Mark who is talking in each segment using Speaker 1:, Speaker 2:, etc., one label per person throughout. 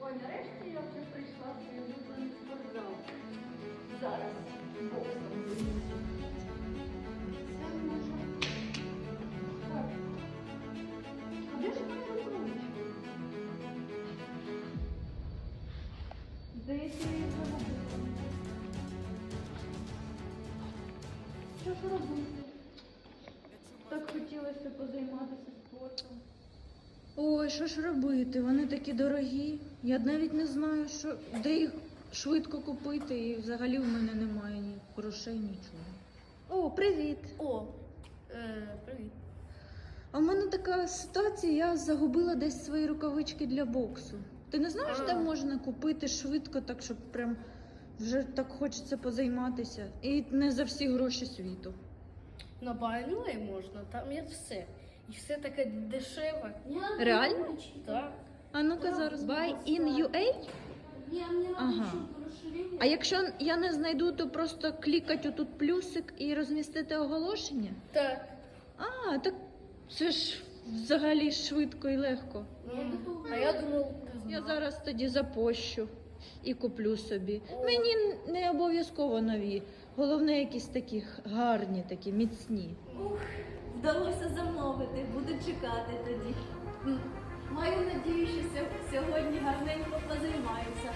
Speaker 1: Ой, нарешті я вже прийшла в свій улюблений спортзал. Зараз боксом займуся. Це може... Так. А де ж моя рукавичка? Здається, я її загубила. Що ж робити? Так хотілося позайматися спортом.
Speaker 2: Ой, що ж робити? Вони такі дорогі. Я навіть не знаю, де їх швидко купити, і взагалі в мене немає ні грошей, нічого. О, привіт!
Speaker 1: Привіт.
Speaker 2: А в мене така ситуація, я загубила десь свої рукавички для боксу. Ти не знаєш, де можна купити швидко, так щоб прям вже так хочеться позайматися? І не за всі гроші світу.
Speaker 3: На Байнуї можна, там є все. І все таке дешеве.
Speaker 2: Реально?
Speaker 3: Так.
Speaker 2: А ну-ка зараз, buy in UA? Ага. А якщо я не знайду, то просто клікати отут плюсик і розмістити оголошення?
Speaker 3: Так.
Speaker 2: А, так це ж взагалі швидко і легко.
Speaker 3: А я думав,
Speaker 2: Я зараз тоді запощу і куплю собі. Мені не обов'язково нові. Головне, якісь такі гарні, такі міцні.
Speaker 1: Вдалося замовити, буду чекати тоді. Маю надію, що сьогодні гарненько позаймаюся.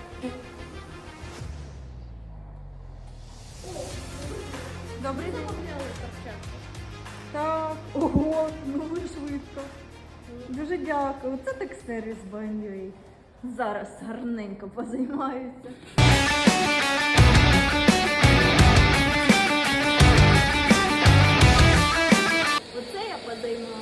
Speaker 2: Добрий день.
Speaker 3: замовляли перчатки.
Speaker 2: Так, ого, ну ви швидко. Дуже дякую. Це так сервіс Байнюй. Зараз гарненько позаймаюся.
Speaker 1: Оце я позаймаюся.